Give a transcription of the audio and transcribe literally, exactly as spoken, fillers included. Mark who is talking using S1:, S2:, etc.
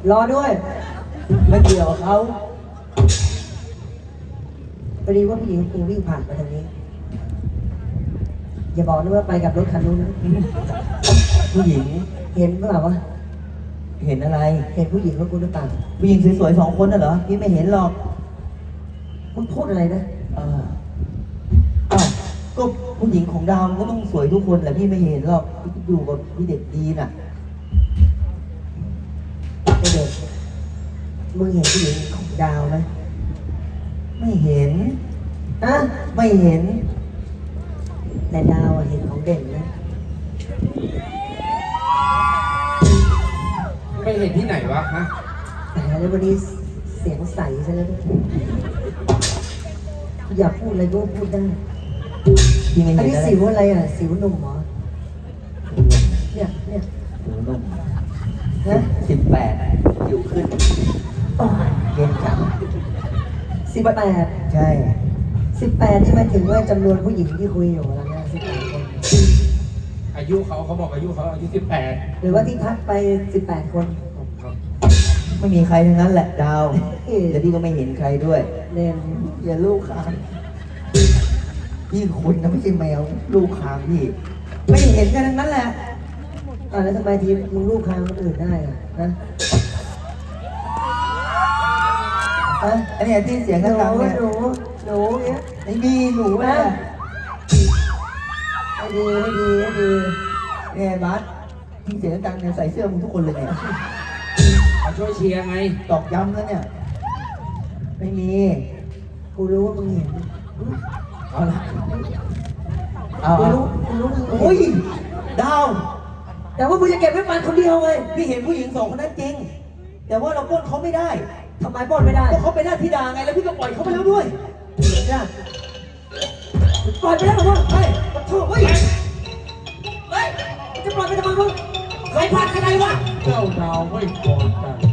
S1: รอด้วย
S2: ไม่เกี่ยวกับเขา
S1: พอดีว่าผู้หญิงกูวิ่งผ่านมาทางนี้ อย่าบอกนะว่าไปกับรถคันนู้นนะ
S2: ผู้หญิง
S1: เห็นหรือเปล่าวะ
S2: เห็นอะไร
S1: เห็นผู้หญิงของกูหรือเปล่า
S2: ผู้หญิงสวยๆสองคนน่ะเหรอพี่ไม่เห็นหรอก
S1: มึงพูดอะไรนะ
S2: เอออ้าวก็ผู้หญิงของดาวมันก็ต้องสวยทุกคนแหละพี่ไม่เห็นหรอกพี่อยู่กับพี่เด็กดีน่ะ
S1: ไอเด็กมึงเห็นผู้หญิงของดาวไหม
S2: ไม่เห็น
S1: อะ
S2: ไม่เห็น
S1: แต่ดาวอะเห็นของเด่นนะ
S3: ไม่เห็นที่ไหนวะฮะ
S1: แต่แล้ววันนี้เสียงใสซะแล้วด้วยอยากพูดอะไรก็พูดได้
S2: พี่ไม่
S1: อัน
S2: เห็น
S1: นี้
S2: อะไร
S1: สิวอะไรอ่ะ สิวหนุ่มเหรอ เนี่ยเนี่ย
S2: หนูนุ่ม
S1: นะ
S2: สิบแปดอยู่ขึ้น
S1: โอ้ย
S2: เย็นจัง
S1: สิบแปด
S2: ใช่
S1: สิบแปดนี่หมายถึงว่าจำนวนผู้หญิงที่คุยอยู่แล้วนะสิบแปดคน
S3: อายุเขาเขาบอกอายุเขาอายุสิบแปด
S1: หรือว่าที่พักไปสิบแปดคน
S3: ครับ
S2: ไม่มีใครทั้งนั้นแหละดาว
S1: เอ๊ะ
S2: แล้วพี่ก็ไม่เห็นใครด้วย
S1: เด่น
S2: อย่าลูกค้างพี่คุณนะไม่ใช่แมวลูกค้างพี่ ไม่เห็นกันทั้งนั้นแหละ
S1: อ่าแล้วทำไมทีมึงลูกค้างคนอื่นได้อ่ะนะฮะ
S2: อันนี้ที่เสียง
S1: ห
S2: ดัง
S1: นู
S2: ๆเนี่ย
S1: หนูหนูเนี้ย
S2: ไม่มีหนูนะ
S1: ให้ดีให้ดีให้ดี
S2: เนี่ยบัสที่เสียงดังเนี่ยใส่เสื้อมึงทุกคนเลยเนี่ย
S3: มาช่วยเชียร์ไง
S2: ตอกย้ำแล้วเนี่ย ไม่มี
S1: กูรู้ว่ามึงเห็น
S2: เอาละเอา
S1: กู
S2: เอา
S1: รู้กูรู้มึง
S2: โอ้ย
S1: เห็น
S2: ดาว
S1: แต่ว่ามึงจะเก็บไว้มันคนเดียวไง
S2: พี่เห็นผู้หญิงสองคนนั้นจริง แต่ว่าเราปล้นเขาไม่ได้
S1: ทำไมปล้นไม่ได้
S2: เพราะเขาเป็นหน้าธิดาไงแล้วพี่ก็ปล่อยเขาไปแล้วด้วย
S1: จ้ะปล่อยไปแล้วเหรอวะ
S2: เฮ้ย
S1: ปะโถ่เฮ้ยเฮ้ยจะปล่อยไปทำไมวะใครพลาดใครวะ
S3: เจ้าดาวไม่พอใจ